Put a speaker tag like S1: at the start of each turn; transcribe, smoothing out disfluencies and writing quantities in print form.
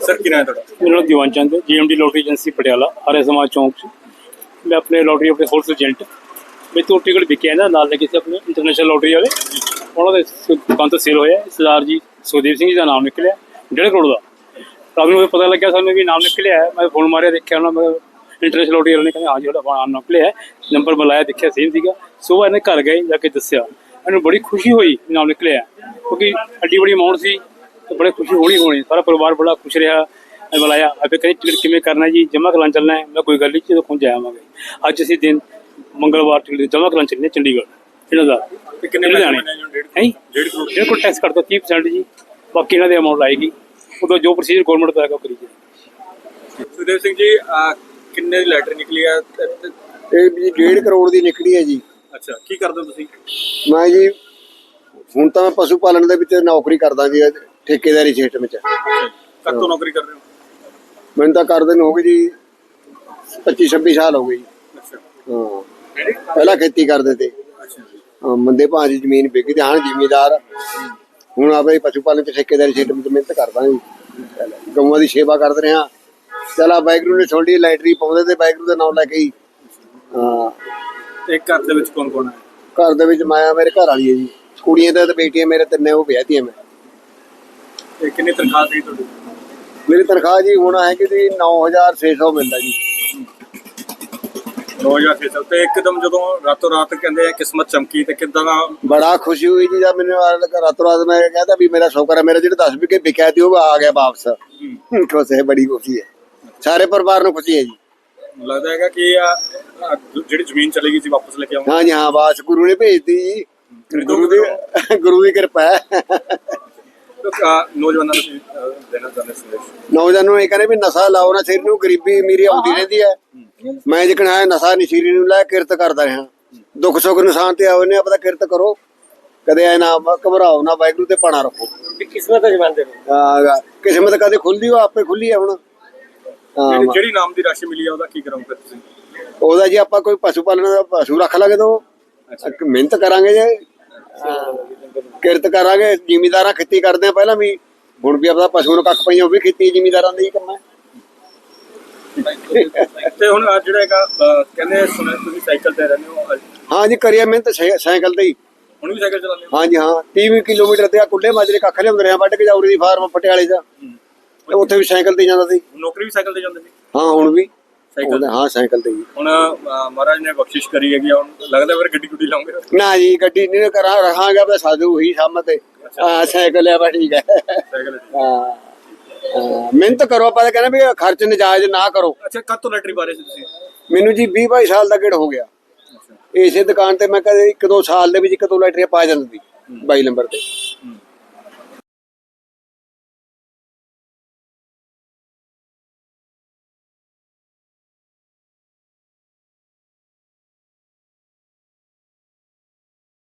S1: Sir की नाम है ਤੁਹਾਡਾ?
S2: मेरा नाम दीवान चंद है, GMD lottery agency Patiala Arya Samaj चौंक च। मैं अपने लॉटरी अपने होलसेल एजेंट मेरे तो टिकट बिके हैं ना नाल लगे से अपने इंटरनेशनल लॉटरी वाले उन्होंने दुकान तो सेल होया सरदार जी सुखदेव सिंह जी का नाम निकलिया 1.5 करोड़ का। रात में पता लग्या सानू भी नाम निकलिया है। मैं फोन मारिया देखा मैं इंटरनेशनल लॉटरी वाले ने कहा हाँ जी नाम निकलिया है, नंबर बुलाया देखा सेम सीगा। सुबह इन्हें घर गए जाके दसिया मैंने बड़ी खुशी हुई नाम निकलिया क्योंकि एड्डी बड़ी अमाउंट सी तो बड़ी खुशी होनी सारा परिवार बड़ा खुश रहा। बुलाया अभी कहीं टिकट किमें करना जी जमा करान चलना है। मैं कोई गल नहीं जो खुद जावांगे अज असीं दिन मंगलवार टिकट जमा करान चलने चंडीगढ़ इन्हों का लुधियाने है 1.5 करोड़ टैक्स कर दो 30% जी बाकी इन्हों अमाउंट आएगी उदो जो प्रोसीजर गौरमेंट का है करी जाए।
S1: सुखदेव सिंह जी किन्ने दी लैटर निकली है?
S3: ਇਹ ਜੀ 1.5 ਕਰੋੜ ਦੀ ਨਿਕਲੀ ਹੈ ਜੀ।
S1: ਅੱਛਾ ਕੀ ਕਰਦੇ ਹੋ ਤੁਸੀਂ?
S3: ਮੈਂ ਜੀ ਹੁਣ ਤਾਂ ਮੈਂ ਪਸ਼ੂ ਪਾਲਣ ਦੇ ਵਿੱਚ ਨੌਕਰੀ ਕਰਦਾ ਜੀ ਠੇਕੇਦਾਰੀ ਖੇਤ ਵਿੱਚ।
S1: ਕਦ ਤੋਂ ਨੌਕਰੀ ਕਰ ਰਹੇ ਹੋ?
S3: ਮੈਨੂੰ ਤਾਂ ਕਰਦੇ ਨੂੰ ਹੋ ਗਈ ਜੀ 25-26 ਸਾਲ ਹੋ ਗਏ ਜੀ।
S1: ਅੱਛਾ
S3: ਹਾਂ ਪਹਿਲਾਂ ਖੇਤੀ ਕਰਦੇ ਤੇ
S1: ਅੱਛਾ
S3: ਮੰਦੇ ਭਾਅ ਦੀ ਜ਼ਮੀਨ ਵਿਕ ਗਈ ਹਾਂ ਜ਼ਿਮੀਦਾਰ ਹੁਣ ਆਪਣੇ ਪਸ਼ੂ ਪਾਲਣ ਚ ਠੇਕੇਦਾਰੀ ਖੇਤ ਵਿੱਚ ਮਿਹਨਤ ਕਰਦਾ ਜੀ। ਗਊਆਂ ਦੀ ਸੇਵਾ ਕਰਦੇ ਰਿਹਾ। ਚਲਾ ਵਾਹਿਗੁਰੂ ਨੇ ਛੋਡੀ ਲਾਈਟਰੀ ਪਾਉਂਦੇ ਤੇ ਵਾਹਿਗੁਰੂ ਦਾ ਨਾਮ ਲੈ ਕੇ ਹੀ। ਹਾਂ
S1: ਇੱਕ ਘਰ ਦੇ ਵਿੱਚ ਕੌਣ ਕੌਣ ਹੈ?
S3: ਘਰ ਦੇ ਵਿੱਚ ਮਾਇਆ ਮੇਰੇ ਘਰ ਵਾਲੀ ਹੈ ਜੀ, ਕੁੜੀਆਂ ਤੇ ਬੇਟੀਆਂ ਮੇਰੇ ਤਿੰਨੇ ਉਹ ਵਿਆਹਤੀਆਂ ਮੈਂ।
S1: ਤੇ ਕਿੰਨੀ ਤਨਖਾਹ ਸੀ ਤੁਹਾਡੀ?
S3: ਮੇਰੀ ਤਨਖਾਹ ਜੀ ਹੁਣ ਹੈ ਕਿ ਜੀ 9600 ਮਿਲਦਾ ਜੀ।
S1: 9600 ਤੇ ਇੱਕਦਮ ਜਦੋਂ ਰਾਤੋਂ ਰਾਤ ਕਹਿੰਦੇ ਆ ਕਿਸਮਤ ਚਮਕੀ ਤੇ ਕਿੱਦਾਂ ਦਾ?
S3: ਬੜਾ ਖੁਸ਼ੀ ਹੋਈ ਜੀ ਜਦ ਮੈਨੂੰ ਰਾਤੋਂ ਰਾਤ ਮੈਂ ਕਹਿੰਦਾ ਵੀ ਮੇਰਾ ਸ਼ੌਕਰ ਹੈ ਮੇਰਾ ਜਿਹੜੇ 10 ਵਿਕੇ ਵਿਕਿਆ ਸੀ ਉਹ ਆ ਗਿਆ ਵਾਪਸ। ਖੁਸ਼ ਹੈ ਬੜੀ ਖੁਸ਼ੀ ਹੈ ਸਾਰੇ ਪਰਿਵਾਰ ਨੂੰ ਖੁਸ਼ੀ ਹੈ ਜੀ।
S1: ਲੱਗਦਾ ਹੈਗਾ ਕਿ ਜਿਹੜੀ ਜ਼ਮੀਨ ਚਲੀ ਗਈ ਸੀ ਵਾਪਸ ਲੈ ਕੇ ਆਉਂਗਾ।
S3: ਹਾਂ ਜੀ ਹਾਂ ਬਾਸ ਗੁਰੂ ਨੇ ਭੇਜਤੀ ਜੀ। ਗੁਰੂ ਦੀ ਕਿਰਪਾ ਹੈ।
S1: ਨੌਜਵਾਨਾਂ ਨੂੰ ਦੇਣਾ ਚਾਹੁੰਦੇ ਸੰਦੇਸ਼?
S3: ਨੌਜਵਾਨਾਂ ਨੂੰ ਇਹ ਕਹਿੰਦੇ ਵੀ ਨਸ਼ਾ ਲਾਓ ਨਾ ਸਿਰ ਨੂੰ, ਗਰੀਬੀ ਅਮੀਰੀ ਆਉਂਦੀ ਰਹਿੰਦੀ ਹੈ। ਮੈਂ ਜਿਕਣ ਹੈ ਨਸ਼ਾ ਨਹੀਂ ਸਿਰ ਨੂੰ ਲੈ ਕਿਰਤ ਕਰਦਾ ਰਿਹਾ। ਦੁੱਖ ਸੁੱਖ ਨਿਸ਼ਾਨ ਤੇ ਆਓ ਨੇ ਆਪਣਾ ਕਿਰਤ ਕਰੋ ਕਦੇ ਐ ਨਾ ਘਬਰਾਓ ਨਾ ਵਾਹਿਗੁਰੂ ਤੇ ਪਾਣਾ ਰੱਖੋ।
S2: किस्मत जमाते
S3: ਕਿਸਮਤ ਕਦੇ ਖੁੱਲਦੀ ਉਹ ਆਪੇ ਖੁੱਲੀ ਹੈ ਹੁਣ।
S1: ਜਿਹੜੀ ਨਾਮ ਦੀ ਰਾਸ਼ੀ ਮਿਲੀ ਆ ਉਹਦਾ ਕੀ ਕਰੋਗੇ ਤੁਸੀਂ?
S3: ਉਹਦਾ ਜੀ ਆਪਾਂ ਕੋਈ ਪਸ਼ੂ ਪਾਲਣ ਦਾ ਪਸ਼ੂ ਰੱਖ ਲਾਂਗੇ ਤਾਂ ਮਿਹਨਤ ਕਰਾਂਗੇ ਜੇ ਕਿਰਤ ਕਰਾਂਗੇ। ਜ਼ਿਮੀਦਾਰਾਂ ਖੇਤੀ ਕਰਦੇ ਆ ਪਹਿਲਾਂ ਵੀ ਹੁਣ ਵੀ ਆਪਣਾ ਪਸ਼ੂ ਨੂੰ ਕੱਖ ਪਈਆਂ ਉਹ ਵੀ ਖੇਤੀ ਜ਼ਿਮੀਦਾਰਾਂ ਦਾ ਹੀ ਕੰਮ ਹੈ।
S1: ਤੇ ਹੁਣ ਜਿਹੜਾ ਹੈਗਾ ਕਹਿੰਦੇ ਸੁਣਿਆ ਤੁਸੀਂ ਸਾਈਕਲ ਤੇ ਰਹਿੰਦੇ ਹੋ?
S3: ਹਾਂ ਜੀ ਕਰੀਏ ਮਿਹਨਤ ਸਾਈਕਲ ਤੇ ਹੀ।
S1: ਹੁਣ ਵੀ ਸਾਈਕਲ ਚਲਾਉਂਦੇ ਹੋ?
S3: ਹਾਂ ਜੀ ਹਾਂ 30 ਕਿਲੋਮੀਟਰ ਤੇ ਆ ਕੁੱਲੇ ਮਾਜਰੇ ਕੱਖ ਲਿਆਉਂਦੇ ਰਹੇ ਵੱਢ ਕੇ ਜਾਉਰੀ ਦੀ ਫਾਰਮ ਪਟਿਆਲੇ ਦਾ ਉੱਥੇ ਵੀ ਸਾਈਕਲ ਤੇ ਜਾਂਦਾ ਸੀ।
S1: ਨੌਕਰੀ ਵੀ ਸਾਈਕਲ ਤੇ ਜਾਂਦੇ ਸੀ?
S3: ਹਾਂ ਹੁਣ ਵੀ
S1: ਸਾਈਕਲ?
S3: ਹਾਂ ਸਾਈਕਲ ਤੇ ਹੀ।
S1: ਹੁਣ ਮਹਾਰਾਜ ਨੇ ਬਖਸ਼ਿਸ਼ ਕਰੀ ਹੈਗੀ ਹੁਣ ਲੱਗਦਾ ਫਿਰ ਗੱਡੀ ਗੁੱਡੀ ਲਾਉਂਗੇ?
S3: ਨਾ ਜੀ ਗੱਡੀ ਨਹੀਂ ਕਰਾਂ ਰਹਾਂਗਾ ਬਸ ਸਾਧੂ ਉਹੀ ਸਾਹਮਣੇ ਤੇ ਸਾਈਕਲ ਆ ਬਸ ਠੀਕ ਹੈ।
S1: ਸਾਈਕਲ?
S3: ਹਾਂ ਮਿਹਨਤ ਕਰੋ ਆਪਾਂ ਤਾਂ ਕਹਿੰਦੇ ਵੀ ਖਰਚ ਨਜਾਇਜ਼ ਨਾ ਕਰੋ।
S1: ਅੱਛਾ ਕਦ ਤੋਂ ਲੈਟਰੀ ਬਾਰੇ ਸੀ ਤੁਸੀਂ?
S3: ਮੈਨੂੰ ਜੀ 20-22 ਸਾਲ ਦਾ ਗੇੜ ਹੋ ਗਿਆ। ਇਸੇ ਦੁਕਾਨ ਤੇ ਮੈਂ ਕਦੇ 1-2 ਸਾਲ ਦੇ ਵਿੱਚ 1-2 ਲੈਟਰੀਆਂ ਪਾ ਜਾਂਦੀ 22 ਨੰਬਰ ਤੇ।